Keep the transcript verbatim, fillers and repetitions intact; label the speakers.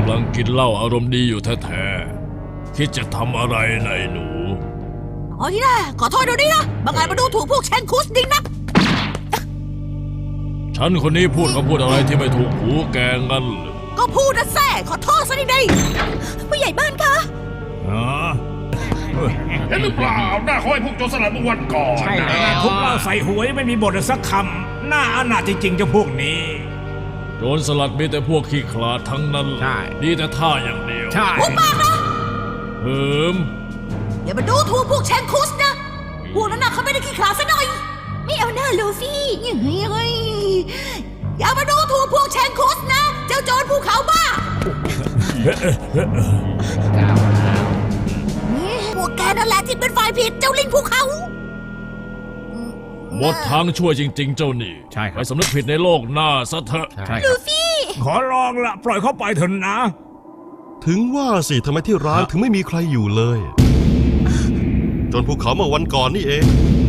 Speaker 1: ำลังกินเหล้าอารมณ์ดีอยู่แท้ๆคิดจะทำอะไรนายหนู
Speaker 2: อ๋อที่น่าขอโทษดูดินะบางไงมาดูถูกพวกเชนคุสดิงนะ
Speaker 1: ฉันคนนี้พูดคำพูดอะไรที่ไม่ถูกหูแกงั้นเหรอ
Speaker 2: ก็พูดนะแซ่ขอโทษซะดีๆผู้ใหญ่บ้านคะ
Speaker 1: ฮะ
Speaker 3: เห็นหรือเปล่าหน้าเขาให้พวกโจรสลัดเมื่อวันก่อน
Speaker 4: ใช่แล้ว
Speaker 3: นะ
Speaker 4: ทุกเหล้าใส่หัวไม่มีบทสักคำหน้าอนาถจริงๆเจ้าพวกนี้
Speaker 1: โจรสลัดมีแต่พวกขี้ขลาดทั้งนั้น
Speaker 4: ใช่
Speaker 1: ดีแต่ท่าอย่างเดียว
Speaker 4: ใช่
Speaker 2: พูดมากนะ
Speaker 1: เหิม
Speaker 2: อย่ามาดูถูกพวกเชนคุสนะพวกนั้นน่ะเขาไม่ได้ขี้ขลาดซะหน่อย ไม่เอาหน้าลูฟี่ยังไงยังไงอย่ามาดูถูกพวกเชนคุสนะ เจ้าโจรภูเขาบ้าพวกแกนั่นแหละที่เป็นฝ่ายผิดเจ้าลิงภูเขา
Speaker 1: หมดทางช่วยจริง ๆ เจ้านี่
Speaker 4: ใช่ค
Speaker 1: ไป
Speaker 4: รับ
Speaker 1: สำนึกผิดในโลกหน้าซะเถอะ
Speaker 4: ใช่ครับขอลองละปล่อยเขาไปเถอะนะ
Speaker 5: ถึงว่าสิทำไมที่ร้านถึงไม่มีใครอยู่เลย จนภูเขาเมื่อวันก่อนนี่เอง